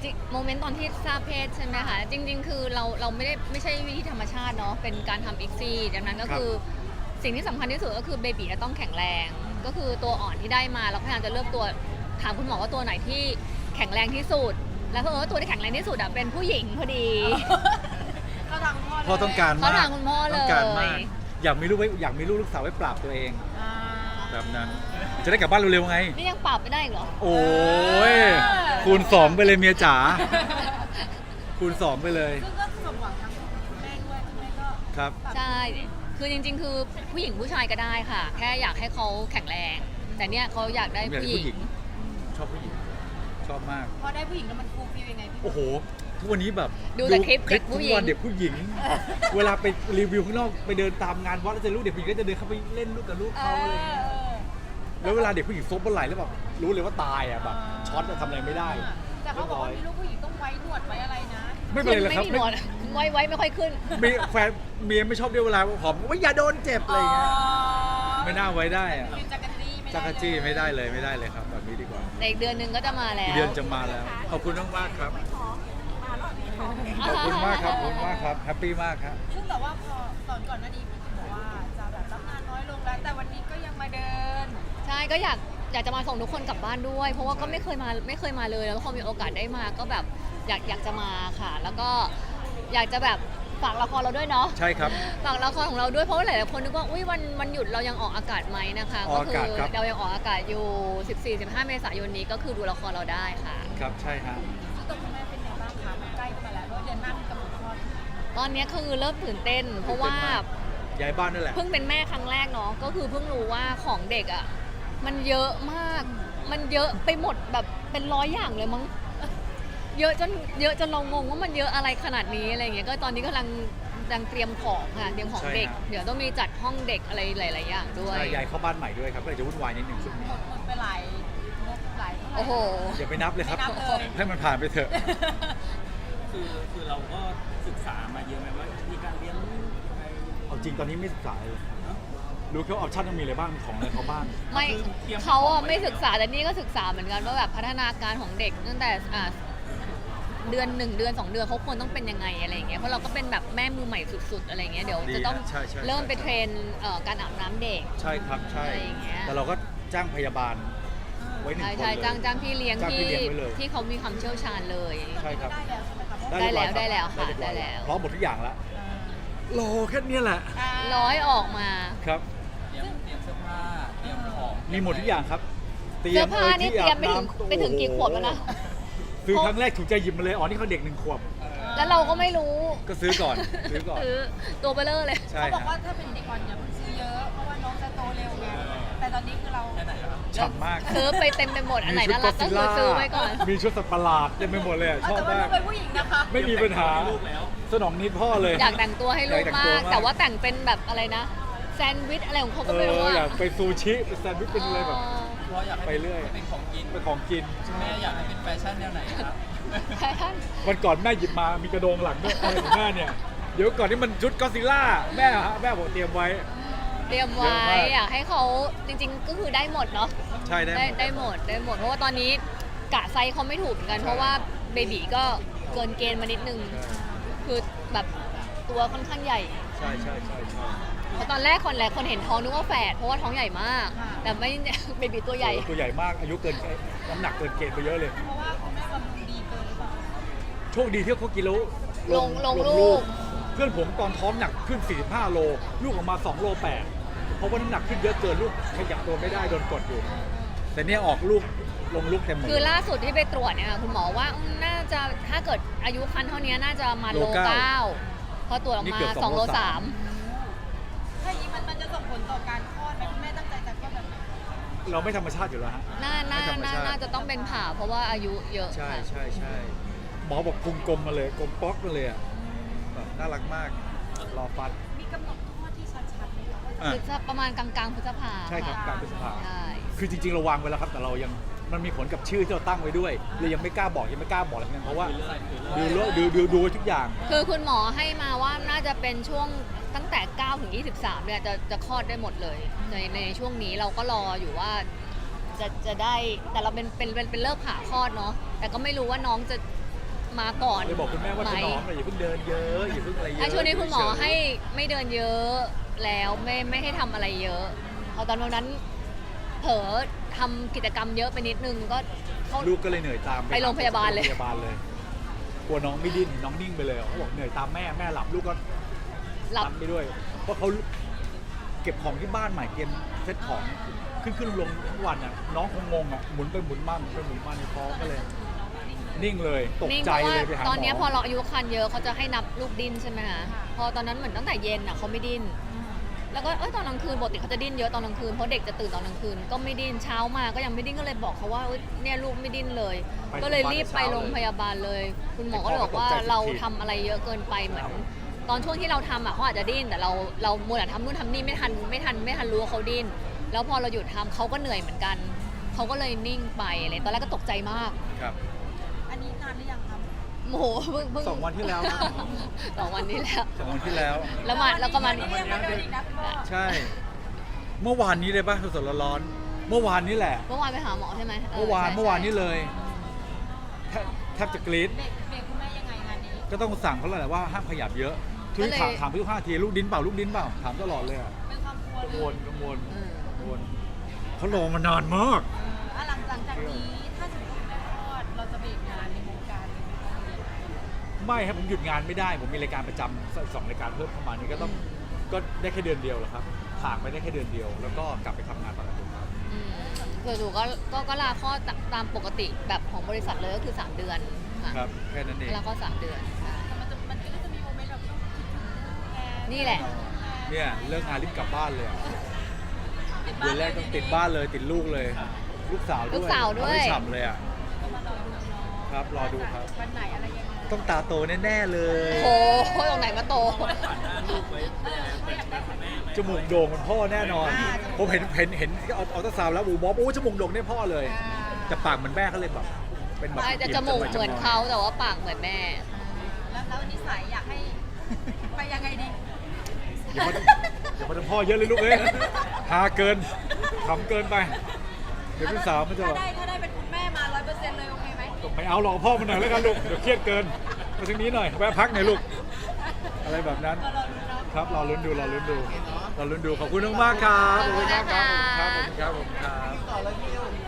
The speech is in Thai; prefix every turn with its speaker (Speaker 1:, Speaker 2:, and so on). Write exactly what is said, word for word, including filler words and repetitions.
Speaker 1: ริงๆโมเมนต์ตอนที่ทราบเพศใช่ไหมคะจริง ๆ คือเราเราไม่ได้ไม่ใช่วิธีธรรมชาติเนาะเป็นการทำอีกซี่ดังนั้นก็คือสิ่งที่สำคัญที่สุดก็คือเบบีจะต้องแข็งแรง ก็คือตัวอ่อนที่ได้มาเราพยายามจะเลือกตัวถามคุณหมอว่าตัวไหนที่แข็งแรงที่สุด แล้วเพราะว่าตัวที่แข็งแรงที่สุดอะเป็นผู้หญิงพอดี
Speaker 2: เข้าทางพ่อเลย
Speaker 3: พ่อต้องการ
Speaker 1: เขา
Speaker 3: มาก
Speaker 1: ทางคุณพ่อเล
Speaker 3: ต้องการมาก
Speaker 1: ย
Speaker 3: อยากมีลูกไว้อยากมีลูกลูกสาวไว้ปราบตัวเอง
Speaker 2: อ่า
Speaker 3: แบบนั้น จะได้กลับบ้านเร็วๆไง
Speaker 1: นี่ยังปรับไม่ได้อีกเหรอ
Speaker 3: โอ้ยคูณสองไปเลยเมียจ๋าคูณสองไปเลย
Speaker 2: ซึ่งก็สมหวังทั้งคุณแม่ด้วยคุณแม่ก็
Speaker 3: ครับ
Speaker 1: ใช่ คือจริงๆ คือผู้หญิงผู้ชายก็ได้ค่ะ แค่อยากให้เขาแข็งแรง แต่เนี่ยเขาอยากได้
Speaker 3: อยากได้
Speaker 1: ผู้หญิ
Speaker 3: ผู้หญิ
Speaker 1: ง
Speaker 3: ง ชอบผู้หญิง ชอบมาก
Speaker 2: พอได้ผู้หญิงแล้วมันฟูลฟิลยังไงพี่
Speaker 3: โอ้โห ทุกวันนี้แบบ
Speaker 1: ดูแต่คลิปเด็ก
Speaker 3: ทุ
Speaker 1: ผู้
Speaker 3: ก
Speaker 1: หญิง
Speaker 3: วันเด็กผู้หญิง เวลาไปรีวิวข้างนอกไปเดินตามงานวัดแล้วเจอลูกเด็กผู้หญิงก็จะเดินเข้าไปเล่นลูกกับลูก
Speaker 2: เอ
Speaker 3: เขาอะไร
Speaker 2: อ
Speaker 3: อย่างเงี้ยแล้วเวลาเด็กผู้หญิงซบบนไหล่แล้วแบบรู้เลยว่าตายอ่ะแบบช็อตอะทำอะไรไม่ได้
Speaker 2: แต่เขาบอกว่ามีลูกผู้หญิงต้องไว้หนวดไว้อะไรนะ
Speaker 3: ไม่เป็นไรเลยครับ
Speaker 1: ไม่มีหนวดไว้ไว้ไม่ค่อยขึ้น
Speaker 3: มีแฟนเมียไม่ชอบด้วยเวลาหอมว่าอย่าโดนเจ็บอะไรอย่างเงี้ย
Speaker 2: อ๋อ
Speaker 3: ไม่น่าไว้ได้อะ
Speaker 2: คือจักรจี้ไม่ได้
Speaker 3: จักรจี้ไม่ได้เลยไม่ได้เลยครับแบบนี้ดีกว่า
Speaker 1: ในอีกเดือนหนึงก็จะมาแล้
Speaker 3: อี
Speaker 1: ว
Speaker 3: กเดือนจะมาแล้ว ขอบคุณมากมากๆครับ ขอบคุณมากครับขอบคุณมากครับแฮปปี้มากครับ
Speaker 2: ซึ่งแต่ว่าพอตอนก่อนหน้านี้พี่บอกว่าจะแบบรับงานน้อยลงแล้ว แต่วันนี้ก็ยังมาเดิน
Speaker 1: ใช่ก็อยากอยากจะมาส่งทุกคนกลับบ้านด้วย เพราะว่าก็ไม่เคยมาไม่เคยมาเลยแล้วพอมีโอกาสได้มาก็แบบอยากอยากจะมาค่ะ แล้วก็อยากจะแบบฝากละครเราด้วยเนาะ
Speaker 3: ใช่ครับ
Speaker 1: ฝากละครของเราด้วยเพราะว่าหลายๆคนนึกว่าอุ้ยวันวันหยุดเรายังออกอากาศไหมนะคะ
Speaker 3: ออกอากาศครับ
Speaker 1: เรายังออกอากาศอยู่ สิบสี่ สิบห้า เมษายนนี้ก็คือดูละครเราได้ค่ะ
Speaker 3: ครับใช่ฮะ
Speaker 2: ซึ่งตัวคุณแม่เป็นไงบ้างคะมันใกล้เข้ามาแล้วเพราะเดือนหน้ามีกำหนดคลอด
Speaker 1: ตอนนี้คือเริ่มตื่นเต้น เพราะว่า
Speaker 3: ย้ายบ้านนั่นแหละ
Speaker 1: เพิ่งเป็นแม่ครั้งแรกเนาะก็คือเพิ่งรู้ว่าของเด็กอ่ะมันเยอะมาก มันเยอะไปหมดแบบเป็นร้อยอย่างเลยมั้งเยอะจนเยอะจนเรางงว่ามันเยอะอะไรขนาดนี้อะไรอย่างเงี้ยก็ตอนนี้กำลังกำลังเตรียมของค่ะเตรียมของเด็ก
Speaker 3: ใช่ครับ
Speaker 1: เดี๋ยวต้องมีจัดห้องเด็กอะไรหลาย ๆ อย่างด้วย
Speaker 3: ใช่ย้ายเข้าบ้านใหม่ด้วยครับก็เลยจะวุ่นวายนิดหนึ่งช่วงนี้
Speaker 2: หมดหมดไปหลายงบหลายเท่าไหร่
Speaker 1: โอ้โห
Speaker 3: อย่าไปนับเลยครับ
Speaker 2: ไม่นับเลย
Speaker 3: ให้มันผ่านไปเถอะ
Speaker 4: คือคือเราก็ศึกษามาเยอะไหมว่ามีการเลี้ยงลูกยังไง
Speaker 3: เอาจริงตอนนี้ไม่ศึกษาเลยรู้แค่ว่าออปชั่นต้องมีอะไรบ้างมีของอะไรเขาบ้าง
Speaker 1: ไม่เขาอะไม่ศึกษาแต่นี่ก็ศึกษาเหมือนกันว่าแบบพัฒนาการของเด็กตั้งแต่อ่าเดือนหนึ่งเดือนสองเดือนเขาควรต้องเป็นยังไงอะไรอย่างเงี้ยเพราะเราก็เป็นแบบแม่มือใหม่สุดๆอะไรอย่างเงี้ยเดี๋ยว
Speaker 3: ดี
Speaker 1: จะต้อง
Speaker 3: ใช่ใช่
Speaker 1: เริ่มไป
Speaker 3: ใช่
Speaker 1: เทรนเอ่อการอาบน้ำเด็ก
Speaker 3: ใช่ครับใช่
Speaker 1: อะไรอย่างเงี้ย
Speaker 3: แต่เราก็จ้างพยาบาลไว้หนึ่ง
Speaker 1: ใช่
Speaker 3: คน
Speaker 1: ใช่
Speaker 3: เลย
Speaker 1: จ้างจ้างพี่เลี้ยง
Speaker 3: จ้างพี่
Speaker 1: ที่
Speaker 3: เลี้ยงไว้เลย
Speaker 1: ที่เขามีความเชี่ยวชาญเลย
Speaker 3: ใช่ครับ
Speaker 2: ได้แล้วใช่ไหมคะเพราะ
Speaker 1: ได้แล้ว
Speaker 3: เรียบร้อย
Speaker 1: ได้แล้วค่ะ
Speaker 3: เรียบร้อย
Speaker 1: ได้แล้ว
Speaker 3: พร้อมหมดทุกอย่างแล้วรอแค่เนี้ยแหละ
Speaker 2: อ่า
Speaker 1: ร้อยออกมา
Speaker 3: ครับ
Speaker 4: เตรียมเตรียมเสื้อผ้าเตรียมของ
Speaker 3: มีหมดทุกอย่างครับ
Speaker 1: เสื้อผ้านี่เตรียมไปถึง
Speaker 3: ที่อาบน้ำ
Speaker 1: ไปถึงกี่ขวบแล้วนะ
Speaker 3: ซื้อครั้งแรกถูกใจหยิบมาเลยอ๋อนี่เขาเด็กหนึ่งขวบ
Speaker 1: แล้วเราก็ไม่รู้
Speaker 3: ก็ซื้อก่อนซื้อก่อน
Speaker 1: ซื้อตัวเบลเลอร์เลย
Speaker 3: ใช่
Speaker 2: เขาบอก
Speaker 3: ฮะ
Speaker 2: ว่าถ้าเป็นเด็กอ่อนอย่าเพิ่งซื้อเยอะ เพราะว่าน้องจะโตเร็วไง แต่ตอนนี้คือเรา
Speaker 4: แค่ไหนครับ
Speaker 3: ฉ่ำมาก
Speaker 1: ซื้อไปเต็มไปหมดอันไหนน่ารักก็คือซื้อไว้ก่อน
Speaker 3: มีชุดสัตว์ประหลาดเต็มไปหมดเลยอะชอบ
Speaker 2: แต่ว่า
Speaker 3: มา
Speaker 2: ลู
Speaker 3: ก
Speaker 2: กเป็นผู้หญิงนะคะ
Speaker 3: ไม่มีปัญหา
Speaker 4: ลูกแล้ว
Speaker 3: สนองนิดพ่อเลย
Speaker 1: อยากแต่งตัวให้ลูก
Speaker 3: อยากแต่ง
Speaker 1: มา
Speaker 3: ตัว
Speaker 1: ก
Speaker 3: มาก
Speaker 1: แต่ว่าแต่งเป็นแบบอะไรนะแซนด์วิชอะไรของเขา
Speaker 3: เอ
Speaker 1: ก็ไม่รู้
Speaker 3: อ
Speaker 1: อะ
Speaker 3: อยากไปซูชิไปแซนด์วิชเป็นอะไรแบบ
Speaker 4: เพราะอยากให้
Speaker 3: ไปเรื่อย
Speaker 4: เป็นของกิน
Speaker 3: เป็นของกิน
Speaker 4: แม่อยากให้เป็นแฟชั่นแนวไหนครับ
Speaker 1: ใช่ท่าน
Speaker 3: วันก่อนแม่หยิบมามีกระโดงหลังด้วยอะไรของแม่เนี่ยเดี๋ยวก่อนที่มันชุดก็อดซิลล่าแม่ฮะแม่บอกเตรียมไว้
Speaker 1: เตรียม
Speaker 3: เยอะ
Speaker 1: ไว้
Speaker 3: มาก
Speaker 1: อยากให้เขาจริง ๆ ก็คือได้หมดเนาะ
Speaker 3: ใช่ได้
Speaker 1: ได้
Speaker 3: หมด
Speaker 1: ได้หมดได้หมดเพราะว่าตอนนี้กะไซส์เขาไม่ถูกเหมือนกัน
Speaker 3: ใช่
Speaker 1: เพราะว่าเบบีก็เกินเกณฑ์มานิดนึง คือแบบตัวค่อนข้างใหญ่
Speaker 3: ใช่ใช่ใช่ใช่
Speaker 1: เพราะตอนแรกคนแรกคนเห็นท้องนึกว่าแฝดเพราะว่าท้องใหญ่มาก แต่ไม่ เบบีตัวใหญ่
Speaker 3: ตัวใหญ่มากอายุเกินน้ำหนักเกินเกณฑ์ไปเยอะเลย
Speaker 2: เพราะว่าคุณแม่บำรุงดีเกินหรือเปล่า
Speaker 3: โชคดีที่เขากินแล้ว
Speaker 1: ลงลงลูก
Speaker 3: เพื่อนผมตอนท้องหนักขึ้น สี่สิบห้า โล ลูกออกมา สองโลแปดเพราะว่าน้ำหนักขึ้นเยอะเกินลูกขยับตัวไม่ได้โดนกดอยู่ แต่เนี่ยออกลูกลงลูกเต็มหมด
Speaker 1: คือล่าสุดที่ไปตรวจเนี่ยคุณหมอว่าอืมน่าจะถ้าเกิดอายุคันเท่านี้น่าจะมาโล
Speaker 3: โลเก้า
Speaker 1: เก้าพอตรวจออก
Speaker 3: นี่
Speaker 1: มา
Speaker 3: เกือบ
Speaker 1: ส
Speaker 3: ส
Speaker 1: อ
Speaker 3: อง ง
Speaker 1: โล
Speaker 3: โล
Speaker 1: สา
Speaker 3: สาม ม
Speaker 2: ถ้าอย่างนี้มันมันจะส่งผลต่อการคลอดไหมคุณแม่ตั้งใจจะคลอดแบบไหน
Speaker 3: เราไม่ธรรมชาติอยู่แล้วฮะ
Speaker 1: น่าน่า
Speaker 3: ไม่ธรรม
Speaker 1: น่า
Speaker 3: ชาติ
Speaker 1: น่าจะต้องเป็นผ่าเพราะว่าอายุเยอะ
Speaker 3: ใช่
Speaker 1: ค่ะ
Speaker 3: ใช่ใช่หมอบอกพุงกลมมาเลยกลมป๊อกมาเลยอะแบบน่ารักมากรอฟัด
Speaker 2: มีกำหนดคลอดที่ชัดๆไหมคะว่า
Speaker 3: อ่ะ
Speaker 1: คือจะประมาณกลางๆพฤษภา
Speaker 3: ใช่ครับกลางพฤษภา
Speaker 1: ใช่
Speaker 3: คือจริงๆเราวางไว้แล้วครับ แต่เรายังมันมีผลกับชื่อที่เราตั้งไว้ด้วยเลยยังไม่กล้าบอกยังไม่กล้าบอกอะไรทั้งนั้นเพราะว่าดูแลวดูดูดูไว้ทุกอย่าง
Speaker 1: คือคุณหมอให้มาว่าน่าจะเป็นช่วงตั้งแต่เก้าถึงยี่สิบสามเนี่ยจะจะคลอดได้หมดเลย ในในช่วงนี้เราก็รออยู่ว่าจะจะได้แต่เราเป็นเป็นเป็นเป็นเลิกผ่าคลอดเนาะแต่ก็ไม่รู้ว่าน้องจะมาก่อน
Speaker 3: เลยบอกคุณแม่ว่า
Speaker 1: ไห
Speaker 3: ถนอมหน่อยอย่าเพิ่งเดินเยอะอย่าเพิ่งอะไรเย
Speaker 1: ไอ้
Speaker 3: อะ
Speaker 1: ช่วงนี้คุณหมอ
Speaker 3: เฉยๆ
Speaker 1: ให้ไม่เดินเยอะแล้วไม่ไม่ให้ทำอะไรเยอะพอตอนวันนั้นเผลอทำกิจกรรมเยอะไปนิดนึงก็เขา
Speaker 3: ลูกก็เลยเหนื่อยตาม
Speaker 1: ไปโรงพยาบาลเลย
Speaker 3: โรงพยาบาลเลยกลัวน้องไม่ดิ้นน้องนิ่งไปเลยเขาบอกเหนื่อยตามแม่แม่หลับลูกก็
Speaker 1: หลับ
Speaker 3: ตามไปด้วย เพราะเขาเก็บของที่บ้านใหม่เตรียมเซ็ตของขึ้นขึ้นลงๆทุกวันอ่ะน้องคงงงอ่ะหมุนไปหมุนมาหมุนไปหมุนมาในท้องก็เลย นิ่งเลยตก
Speaker 1: นิ่ง
Speaker 3: ใจ
Speaker 1: เพราะว่า
Speaker 3: เลยไปหาหมอ
Speaker 1: ตอนเนี้ยพอเราอายุคันเยอะเขาจะให้นับลูกดิ้นใช่ไหมคะพอตอนนั้นเหมือนตั้งแต่เย็นอ่ะเขาไม่ดิ้นแล้วก็เอ้ยตอนกลางคืนปกติเขาจะดิ้นเยอะตอนกลางคืนเพราะเด็กจะตื่นตอนกลางคืนก็ไม่ดิ้นเช้ามาก็ยังไม่ดิ้นก็เลยบอกเขาว่าเอ้ยเนี่ยลูกไม่ดิ้นเลย ก็เลยรีบไปโรงพยาบาลเลย คุณหมอก็เลยบอกว่าเราทำอะไรเยอะเกินไปเหมือนตอนช่วงที่เราทำอ่ะเขาอาจจะดิ้นแต่เราเรามัวแต่ทำนู่นทำนี่ไม่ทันไม่ทันไม่ทันรู้ว่าเขาดิ้นแล้วพอเราหยุดทำเขาก็เหนื่อยเหมือนกันเขาก็เลยนิ่งไปอะไรตอนแรกก็ตกใจมาก
Speaker 3: ครับ
Speaker 2: อันนี้นานหรือยังครับ
Speaker 1: โมโหเพิ่งเพิ่ง
Speaker 3: สองวันที่แล้วนะ
Speaker 1: สองวันนี้แล้ว
Speaker 3: สองวันที่แล้ว
Speaker 1: แล้วมาแล้วก็มา
Speaker 2: วันนี้ยังมาเดินอีกนะคุณพ่อ
Speaker 3: ใช่ เมื่อวานนี้เลยป่ะสดๆร้อนๆเมื่อวานนี้แหละ
Speaker 1: เมื่อวานไปหาหมอใช่ไหม
Speaker 3: เมื่อวาน
Speaker 1: ใช่
Speaker 3: เมื่อวานนี้
Speaker 1: ใช่
Speaker 3: เลยแทบแทบจะกรี๊ด
Speaker 2: เบรกเบรกคุณแม่ยังไงงานนี้
Speaker 3: ก็ต้องสั่งเขาแหละว่าห้ามขยับเยอะทุกถามถามทุกห้าทีลูกดิ้นเปล่าลูกดิ้นเปล่าถามตลอดเลยอ่ะ
Speaker 2: เป็นความกลัว
Speaker 3: กัง
Speaker 2: เล
Speaker 3: วย ลกังวล
Speaker 1: อืม
Speaker 3: กังวลเขารอมานานมาก
Speaker 2: อ่ะหลังหลังจากนี้ถ้าสมมติคุณแม่คลอดเราจะเบรกงานในวงการเลยไหมคะ
Speaker 3: ไม่ครับผมหยุดงานไม่ได้ ผมมีรายการประจำสองรายการเพิ่มเข้ามานี่ก็ต้องก็ได้แค่เดือนเดียวแหละครับผ่านไปได้แค่เดือนเดียว แล้วก็กลับไปทำงานปกติครับ
Speaker 1: อืมส่วนหนูก็ก็ก็ลาข้อดตามปกติแบบของบริษัทเลยก็คือสามเดือนค่ะ
Speaker 3: ครับแค่นั้นเอง
Speaker 1: ลาข้อดสามเดือนใช่
Speaker 2: แต่มันจะมันก็จะมีโมเมนต์แบบต้องคิดถึงแก
Speaker 1: นี่แหละ
Speaker 3: เนี่ยเลิกงานรีบกลับบ้านเลยอะ
Speaker 2: ติด
Speaker 3: เดื
Speaker 2: บ้า
Speaker 3: อนนแรกต้องติดบ้านเลยติดลูกเลย ลูกสาวด้วย
Speaker 1: ลูกสาวด้วย
Speaker 3: เอให้ฉ่ำเลยอ่ะ
Speaker 2: ก็มารอดูเนาะ
Speaker 3: ครับรอดูครับ
Speaker 2: วันไหนอะไรยังไง
Speaker 3: ต้องตาโตแน่ๆเลย
Speaker 1: โอ้โหตรงไหนมาโต
Speaker 4: ผ่านหน้าลูกไว้เป็นยังไงเป็นคุณแม่ไหม
Speaker 3: จมูกโด่งเหมันพ่อแน่นอน ผมเห็นเห็นเห็นเอาเอาตาซาวด์แล้วอูบอกโอ้จมูกโด่งเนี่ยพ่อเลยแต่ปากเหมือนแม่เขาเลยแบบเป็นแบบ
Speaker 1: ใช่จะจมูกเหมือนเขาแต่ว่าปากเหมือนแม่
Speaker 2: แล้วแล้วนิสัยอยากให้ไปยังไงดี
Speaker 3: อย่ามาอย่ามาทำพ่อเยอะเลยลูกเอ้ยฮาเกินขำเกินไป เดี๋ยวพี่สาวมันจะแบ
Speaker 2: ถ้า
Speaker 3: บ
Speaker 2: ได้ถ้าได้เป็นคุณแม่มาร้อยเปอร์เซ็นต์เลยโอเคไหม
Speaker 3: ไม่เอาหรอกพ่อมันหน่อยแล้วกันลูกเดี๋ยวเครียดเกินมาทางนี้หน่อยแวะพักหน่อยลูกอะไรแบบนั้น
Speaker 2: ก็รอดูเนาะ
Speaker 3: ครับรอลุ้นดูรอลุ้นดูรอลุ้นดูขอบคุณมากๆครับ
Speaker 1: ขอบคุณนะคะ
Speaker 3: ขอบคุณครับขอบคุณครับขอบคุณครับ